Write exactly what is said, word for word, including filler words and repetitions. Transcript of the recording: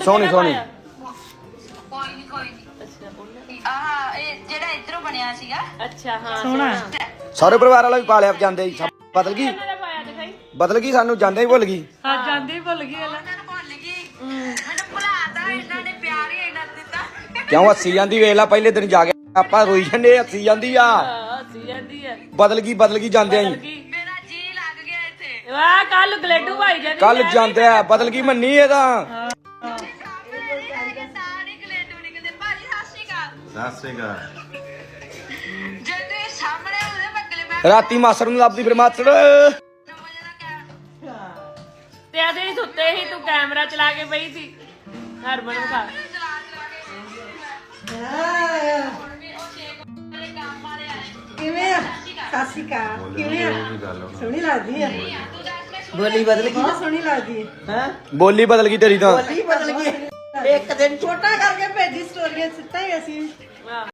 ਸੋਹਣੀ ਸੋਹਣੀ ਕੋਈ ਨਹੀਂ ਕੋਈ ਨਹੀਂ ਅੱਛਾ ਉਹਨੇ ਆਹ ਇਹ ਜਿਹੜਾ ਇਧਰੋਂ ਬਣਿਆ ਸੀਗਾ ਅੱਛਾ ਹਾਂ ਸੋਹਣਾ ਸਾਰੇ ਪਰਿਵਾਰ ਵਾਲਾ ਵੀ ਪਾਲਿਆ ਜਾਂਦੇ ਜੀ ਬਦਲ ਗਈ ਇਹਨਾਂ ਦਾ ਪਾਇਆ ਦਿਖਾਈ ਬਦਲ ਗਈ ਸਾਨੂੰ ਜਾਂਦੇ ਹੀ ਭੁੱਲ ਗਈ ਹਾਂ ਜਾਂਦੇ ਹੀ ਭੁੱਲ ਗਈ ਉਹਨਾਂ ਨੂੰ ਭੁੱਲ ਗਈ ਮੈਨੂੰ ਭੁਲਾਤਾ ਇਹਨਾਂ ਨੇ ਪਿਆਰ ਹੀ ਇਹਨਾਂ ਦਿੱਤਾ ਕਿਉਂ ਹੱਸੀ ਜਾਂਦੀ ਵੇਖ ਲੈ ਪਹਿਲੇ ਦਿਨ ਜਾ ਕੇ ਆਪਾਂ ਰੋਈ ਜੰਨੇ ਹੱਸੀ ਜਾਂਦੀ ਆ ਹੱਸੀ ਜਾਂਦੀ ਹੈ ਬਦਲ ਗਈ ਬਦਲ ਗਈ ਜਾਂਦੇ ਆਂ ਮੇਰਾ ਜੀ ਲੱਗ ਗਿਆ ਇੱਥੇ ਵਾਹ ਕੱਲ ਗਲੇਡੂ ਭਾਈ ਜਾਂਦੀ ਕੱਲ ਜਾਂਦੇ ਆ ਬਦਲ ਗਈ ਮੰਨੀ ਇਹ ਤਾਂ ਸਾਰੇ ਗਲੇਡੂ ਨਿਕਲਦੇ ਭਾਜੀ ਸਤਿ ਸ਼੍ਰੀ ਅਕਾਲ ਸਤਿ ਸ੍ਰੀ ਅਕਾਲ। ਜੇ ਤੁਸੀਂ ਸਾਹਮਣੇ ਉਹਦੇ ਬੱਗਲੇ ਮੈਂ ਰਾਤੀ ਮਾਸੜ ਨੂੰ ਲੱਭਦੀ ਫਿਰ ਮਾਸੜ ਵਜੇ ਦਾ ਕਿਆ ਤੇ ਅਸੀਂ ਸੁੱਤੇ ਸੀ ਤੂੰ ਕੈਮਰਾ ਚਲਾ ਕੇ ਪਈ ਸੀ ਹਰਮਨ ਨੂੰ ਖਾ ਚਲਾ ਚਲਾ ਕੇ ਹੁਣ ਵੀ ਉਹ ਛੇ ਮੇਰੇ ਕੰਮ ਵਾਲੇ ਆਏ ਕਿਵੇਂ ਆ ਸਤਿ ਸ਼੍ਰੀ ਅਕਾਲ ਕਿਵੇਂ ਆ ਸੋਹਣੀ ਲੱਗਦੀ ਆ ਤੂੰ ਦੱਸ ਮੈਂ ਬੋਲੀ ਬਦਲ ਗਈ ਬਹੁਤ ਸੋਹਣੀ ਲੱਗਦੀ ਹੈ ਬੋਲੀ ਬਦਲ ਗਈ ਤੇਰੀ ਤਾਂ ਬੋਲੀ ਬਦਲ ਗਈ ਇੱਕ ਦਿਨ ਛੋਟਾ ਕਰਕੇ ਭੇਜੀ ਸਟੋਰੀਆਂ ਸਿੱਟਾ ਹੀ ਅਸੀਂ